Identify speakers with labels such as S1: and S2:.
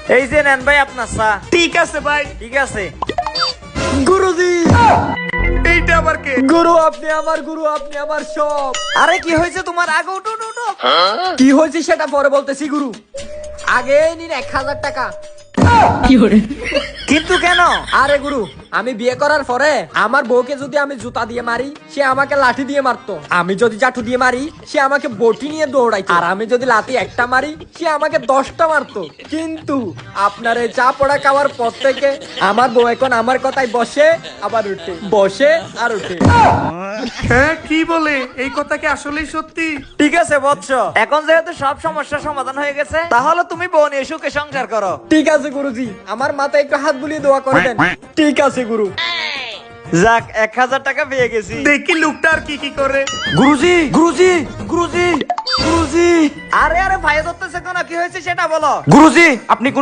S1: এই যে নেন ভাই আপনার চা।
S2: ঠিক আছে ভাই।
S1: ঠিক আছে।
S3: গুরুজি,
S2: এইটা আবার কে?
S3: গুরু আপনি আমার গুরু, আপনি আমার সব।
S1: আরে কি হয়েছে তোমার? আগে উঠো উঠো উঠো।
S3: কি হয়েছে সেটা পরে বলতেছি গুরু, আগে নিন 1000 টাকা।
S1: কিন্তু কেন?
S3: আরে গুরু, আমি বিয়ে করার পরে আমার বউকে যদি আমি জুতা দিয়ে মারি, সে আমাকে লাঠি দিয়ে মারতো। আমি যদি চাটু দিয়ে মারি, সে আমাকে বটি নিয়ে দৌড়াইতো। আর আমি যদি লাঠি একটা মারি, সে আমাকে 10টা মারতো। কিন্তু আপনার এই চা পড়া খাওয়ার পর থেকে আমার বউ এখন আমার কথায় বসে আবার উঠে, বসে আর উঠে।
S2: হ্যাঁ, কি বলে? এই কথা কি আসলেই সত্যি?
S1: ঠিক আছে বৎস, এখন যেহেতু সব সমস্যার সমাধান হয়ে গেছে, তাহলে তুমি বোন নিয়ে সুখে সংসার করো।
S3: ঠিক আছে গুরুজি, আমার মাথায় একটু হাত বুলিয়ে দোয়া করে দেন। ঠিক আছে গুরু।
S1: যাক, 1000 টাকা পেয়ে গেছি।
S2: দেখি লোকটা আর কি কি করে।
S1: গুরুজি গুরুজি গুরুজি গুরুজি। আরে আরে ভাই ধরতেছে কেন? কি হয়েছে সেটা বলো। গুরুজি আপনি